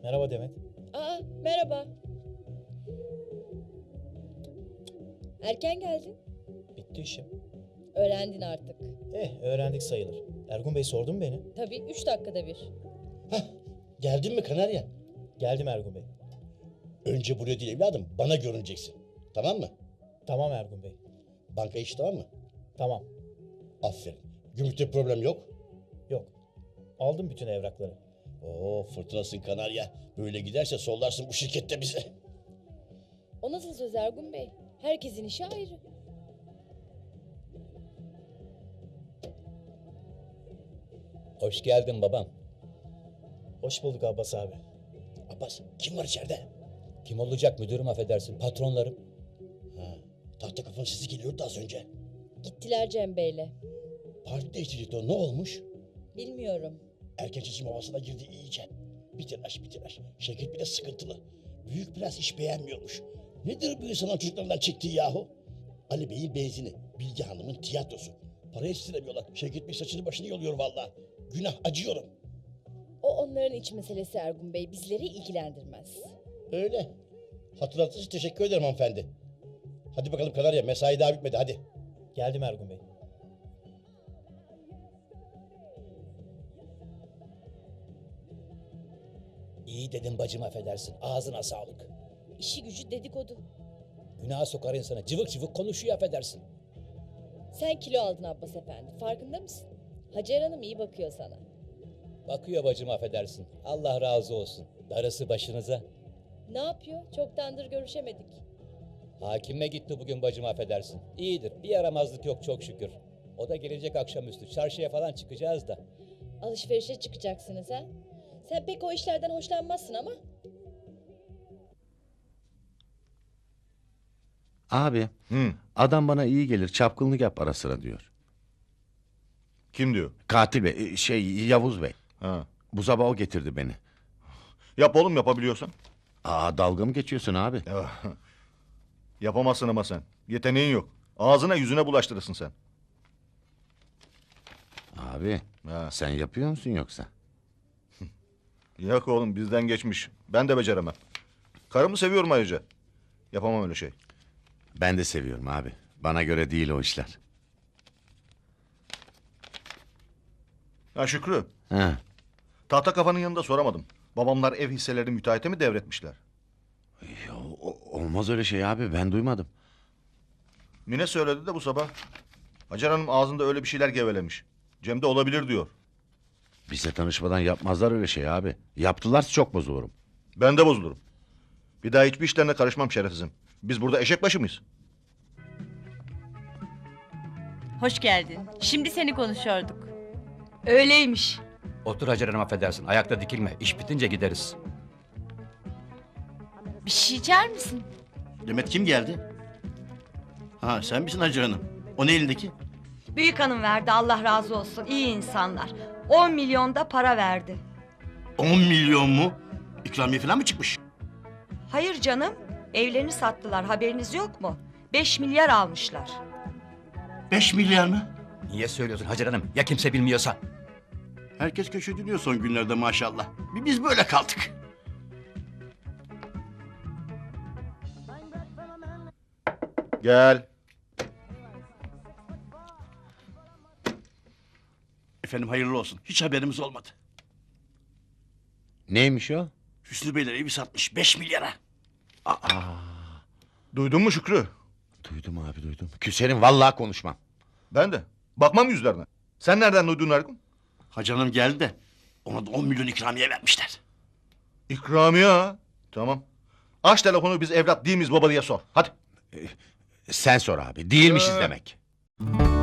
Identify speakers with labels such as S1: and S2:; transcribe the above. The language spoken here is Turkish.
S1: Merhaba Demet.
S2: Aa, merhaba. Erken geldin.
S1: Bitti işim.
S2: Öğrendin artık.
S1: Öğrendik sayılır. Ergun Bey sordu mu beni?
S2: Tabii 3 dakikada bir.
S3: Hah, geldin mi Kanarya?
S1: Geldim Ergun Bey.
S3: Önce buraya değil evladım, bana görüneceksin. Tamam mı?
S1: Tamam Ergun Bey.
S3: Banka işi tamam mı?
S1: Tamam.
S3: Aferin. Gümrükte problem yok.
S1: Yok. Aldım bütün evrakları.
S3: Oo, fırtınasın Kanarya. Böyle giderse sollarsın bu şirkette bizi.
S2: O nasıl söz Ergun Bey? Herkesin işi ayrı.
S4: Hoş geldin babam.
S1: Hoş bulduk Abbas abi.
S3: Abbas, kim var içeride?
S4: Kim olacak müdürüm affedersin patronlarım.
S3: Ha, tahta kafanın sesi geliyordu az önce.
S2: Gittiler Cem Bey'le.
S3: Parti değiştirecekti o, ne olmuş?
S2: Bilmiyorum.
S3: Erken seçim havasına girdi iyice. Bir telaş. Şevket bile sıkıntılı. Büyük biraz iş beğenmiyormuş. Nedir bu insanın çocuklarından çektiği yahu? Ali Bey'in benzini, Bilge Hanım'ın tiyatrosu. Para yetiştiremiyorlar. Şevket Bey saçını başını yoluyor vallahi. Günah, acıyorum.
S2: O onların iç meselesi Ergun Bey. Bizleri ilgilendirmez.
S3: Öyle. Hatırlattığınız için teşekkür ederim hanımefendi. Hadi bakalım Kanarya, mesai daha bitmedi hadi.
S1: Geldim Ergun Bey.
S4: İyi dedim bacım affedersin. Ağzına sağlık.
S2: İşi gücü dedikodu.
S4: Günaha sokar insanı. Cıvık cıvık konuşuyor affedersin.
S2: Sen kilo aldın Abbas Efendi. Farkında mısın? Hacer Hanım iyi bakıyor sana.
S4: Bakıyor bacım affedersin. Allah razı olsun. Darısı başınıza.
S2: Ne yapıyor? Çoktandır görüşemedik.
S4: Hakime gitti bugün bacım affedersin. İyidir. Bir yaramazlık yok çok şükür. O da gelecek akşamüstü. Çarşıya falan çıkacağız da.
S2: Alışverişe çıkacaksınız ha? Sen pek o işlerden hoşlanmazsın ama.
S5: Abi, adam bana iyi gelir, çapkınlık yap ara sıra diyor.
S6: Kim diyor?
S5: Katil Bey, Yavuz Bey.
S6: Ha.
S5: Bu sabah o getirdi beni.
S6: Yap oğlum yapabiliyorsan.
S5: Dalga mı geçiyorsun abi?
S6: Yapamazsın ama sen. Yeteneğin yok. Ağzına yüzüne bulaştırırsın sen.
S5: Abi,
S6: Ha.
S5: sen yapıyor musun yoksa?
S6: Yok oğlum bizden geçmiş. Ben de beceremem. Karımı seviyorum ayrıca. Yapamam öyle şey.
S5: Ben de seviyorum abi. Bana göre değil o işler.
S6: Ha Şükrü.
S5: Ha,
S6: Tahta kafanın yanında soramadım. Babamlar ev hisselerini müteahhite mi devretmişler?
S5: olmaz öyle şey abi, ben duymadım.
S6: Mine söyledi de bu sabah. Hacer Hanım ağzında öyle bir şeyler gevelemiş. Cem de olabilir diyor.
S5: Bize tanışmadan yapmazlar öyle şey abi. Yaptılarsa çok bozulurum.
S6: Ben de bozulurum. Bir daha hiçbir işlerine karışmam şerefsizim. Biz burada eşek başı mıyız?
S7: Hoş geldin. Şimdi seni konuşuyorduk.
S8: Öyleymiş.
S4: Otur Hacer Hanım affedersin. Ayakta dikilme. İş bitince gideriz.
S7: Bir şey içer misin?
S3: Demet kim geldi? Ha, sen misin Hacer Hanım? O ne elindeki?
S8: Büyük hanım verdi, Allah razı olsun. İyi insanlar. 10 milyon da para verdi.
S3: 10 milyon mu? İkramiye falan mı çıkmış?
S8: Hayır canım. Evlerini sattılar, haberiniz yok mu? 5 milyar almışlar.
S3: 5 milyar mı?
S4: Niye söylüyorsun Hacer Hanım? Ya kimse bilmiyorsa?
S3: Herkes köşe dönüyor son günlerde maşallah. Biz böyle kaldık.
S6: Gel.
S3: Efendim hayırlı olsun. Hiç haberimiz olmadı.
S5: Neymiş o?
S3: Hüsnü Beyler evi satmış 5 milyara.
S6: Duydun mu Şükrü?
S5: Duydum abi, duydum. Küserim, vallahi konuşmam.
S6: Ben de. Bakmam yüzlerine. Sen nereden duydun Ergun?
S3: Hacı Hanım geldi de ona da 10 milyon ikramiye vermişler.
S6: İkramiye ha. Tamam. Aç telefonu biz evlat değil miyiz baba diye sor. Hadi.
S5: Sen sor abi, değilmişiz
S6: Ee.
S5: demek.